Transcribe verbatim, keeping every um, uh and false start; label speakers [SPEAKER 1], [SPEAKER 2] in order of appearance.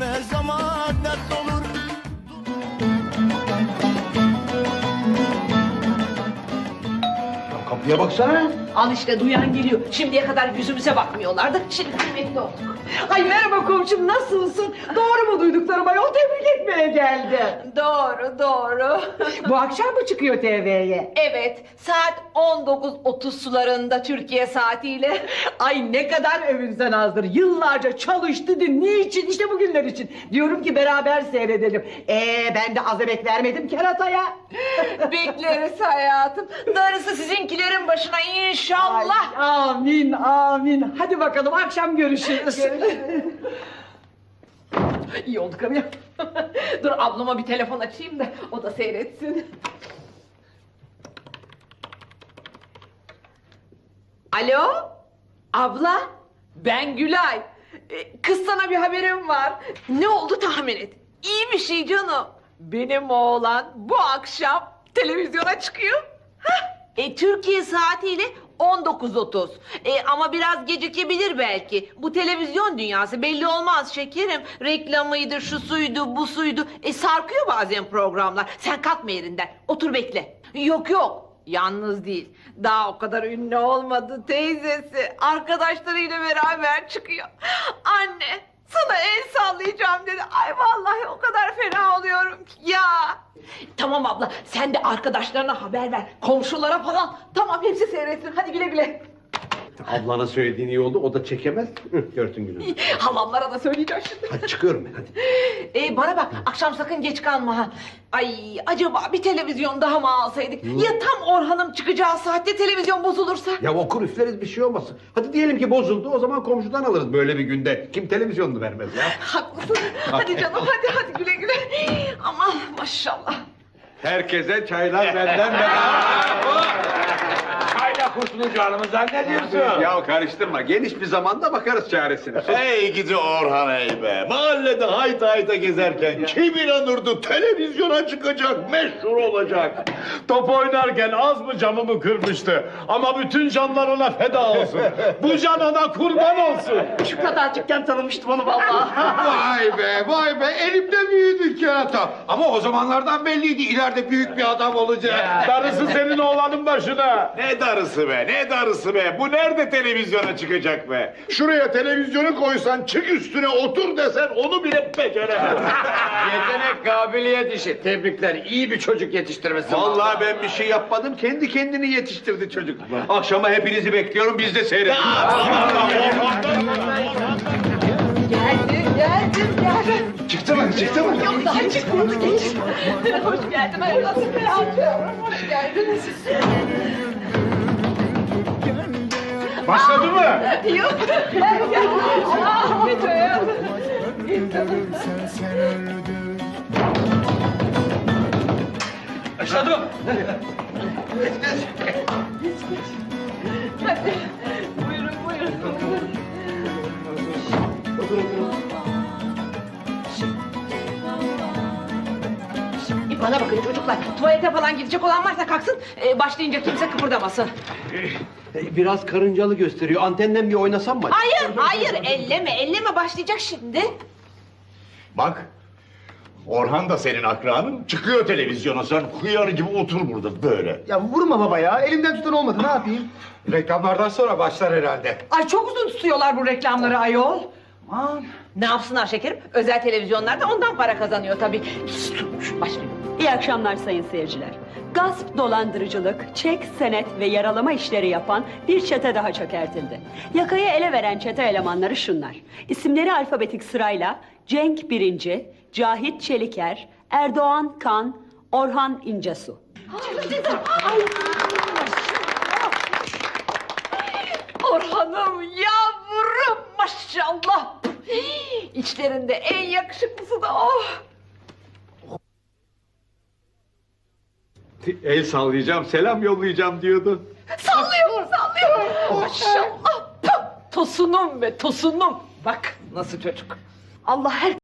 [SPEAKER 1] her zaman dert olur.
[SPEAKER 2] Kapıya baksana.
[SPEAKER 3] Al işte duyan geliyor. Şimdiye kadar yüzümüze bakmıyorlardı. Şimdi kıymetli olduk.
[SPEAKER 4] Ay merhaba komşum, nasılsın? Doğru mu duyduklarım ayol, tebrik etmeye geldi.
[SPEAKER 3] Doğru doğru.
[SPEAKER 4] Bu akşam mı çıkıyor T V'ye?
[SPEAKER 3] Evet, saat on dokuz otuz sularında Türkiye saatiyle.
[SPEAKER 4] Ay ne kadar övünsen azdır. Yıllarca çalıştı. Niçin? İşte bugünler için. Diyorum ki beraber seyredelim. Ee ben de az emek vermedim kerataya.
[SPEAKER 3] Bekleriz hayatım. Darısı sizinkilerin başına inşallah.
[SPEAKER 4] Ay, amin amin. Hadi bakalım akşam görüşürüz.
[SPEAKER 3] İyi olduk ama. Dur ablama bir telefon açayım da o da seyretsin. Alo? Abla? Ben Gülay. Ee, Kız sana bir haberim var. Ne oldu tahmin et. İyi bir şey canım. Benim oğlan bu akşam televizyona çıkıyor. Hah. E, Türkiye saatiyle on dokuz otuz. E, ama biraz gecikebilir belki. Bu televizyon dünyası belli olmaz şekerim. Reklamıydı, şu suydu, bu suydu. E, sarkıyor bazen programlar. Sen kalkma yerinden. Otur bekle. Yok yok. Yalnız değil. Daha o kadar ünlü olmadı teyzesi. Arkadaşlarıyla beraber çıkıyor. Anne sana el sallayacağım dedi. Ay vallahi o kadar fena oluyorum ki ya. Tamam abla sen de arkadaşlarına haber ver. Komşulara falan. Tamam hepsi seyretsin. Hadi güle güle.
[SPEAKER 2] Ablana söylediğin iyi oldu. O da çekemez. Hı, görsün gününü.
[SPEAKER 3] Halamlara da söyleyeceğim şimdi.
[SPEAKER 2] Hadi çıkıyorum ben hadi.
[SPEAKER 3] Ee, bana bak akşam sakın geç kalma ha. Ay acaba bir televizyon daha mı alsaydık? Ya tam Orhan'ım çıkacağı saatte televizyon bozulursa?
[SPEAKER 2] Ya okur üfleriz bir şey olmasın. Hadi diyelim ki bozuldu, o zaman komşudan alırız böyle bir günde. Kim televizyonunu vermez ya?
[SPEAKER 3] Haklısın. Hadi canım hadi hadi güle güle. Aman maşallah.
[SPEAKER 5] Herkese çaylar benden Çayla kurtulacağımızdan ne diyorsun? Ya karıştırma. Geniş bir zamanda bakarız çaresine.
[SPEAKER 6] Hey gidi Orhan hey be! Mahallede hayta hayta gezerken kim inanırdı televizyona çıkacak, meşhur olacak? Top oynarken az mı camımı kırmıştı? Ama bütün canlar ona feda olsun. Bu can ona kurban olsun.
[SPEAKER 4] Şu kadarcıkken tanımıştım onu vallahi.
[SPEAKER 5] Vay be vay be elimde büyüdü kerata. Ama o zamanlardan belliydi ileride büyük bir adam olacak.
[SPEAKER 6] Darısı senin oğlanın başına. Ne darısı be, ne darısı be? Bu nerede televizyona çıkacak be? Şuraya televizyonu koysan, çık üstüne otur desen onu bile beceremez.
[SPEAKER 7] Yetenek, kabiliyet işi. Tebrikler. İyi bir çocuk yetiştirmesi.
[SPEAKER 5] Vallahi ben bir şey yapmadım. Kendi kendini yetiştirdi çocuk. Akşama hepinizi bekliyorum. Biz de seyredin.
[SPEAKER 3] Geldim geldim geldim.
[SPEAKER 5] Çıktı mı? Çıktı mı?
[SPEAKER 3] Yok daha çıkmadı geç. Hoş geldin hayatım. Hoş geldiniz.
[SPEAKER 6] Başladı mı?
[SPEAKER 3] Yok. Gel gel. Ahmet hayatım.
[SPEAKER 5] Başladım.
[SPEAKER 3] Hadi. Buyurun buyurun. E, Bana bakın çocuklar, tuvalete falan gidecek olan varsa kalksın, e, başlayınca kimse kıpırdamasın.
[SPEAKER 2] Ee, Biraz karıncalı gösteriyor. Antenden bir oynasam mı?
[SPEAKER 3] Hayır, hayır, elleme, elleme başlayacak şimdi.
[SPEAKER 6] Bak, Orhan da senin akranın. Çıkıyor televizyona, sen hıyar gibi otur burada böyle.
[SPEAKER 8] Ya vurma baba ya. Elimden tutan olmadı. Ne yapayım?
[SPEAKER 5] Reklamlardan sonra başlar herhalde.
[SPEAKER 4] Ay çok uzun tutuyorlar bu reklamları ayol. Aman.
[SPEAKER 3] Ne yapsınlar şekerim? Özel televizyonlarda ondan para kazanıyor tabii. Başlıyor.
[SPEAKER 9] İyi akşamlar sayın seyirciler. Gasp, dolandırıcılık, çek, senet ve yaralama işleri yapan bir çete daha çökertildi. Yakayı ele veren çete elemanları şunlar. İsimleri alfabetik sırayla Cenk Birinci, Cahit Çeliker, Erdoğan Kan, Orhan İncesu.
[SPEAKER 3] Orhan'ım yavrum maşallah. İçlerinde en yakışıklısı da o.
[SPEAKER 5] El sallayacağım, selam yollayacağım diyordu.
[SPEAKER 3] Sallıyor, sallıyor. Maşallah. Tosunum be, tosunum. Bak nasıl çocuk. Allah her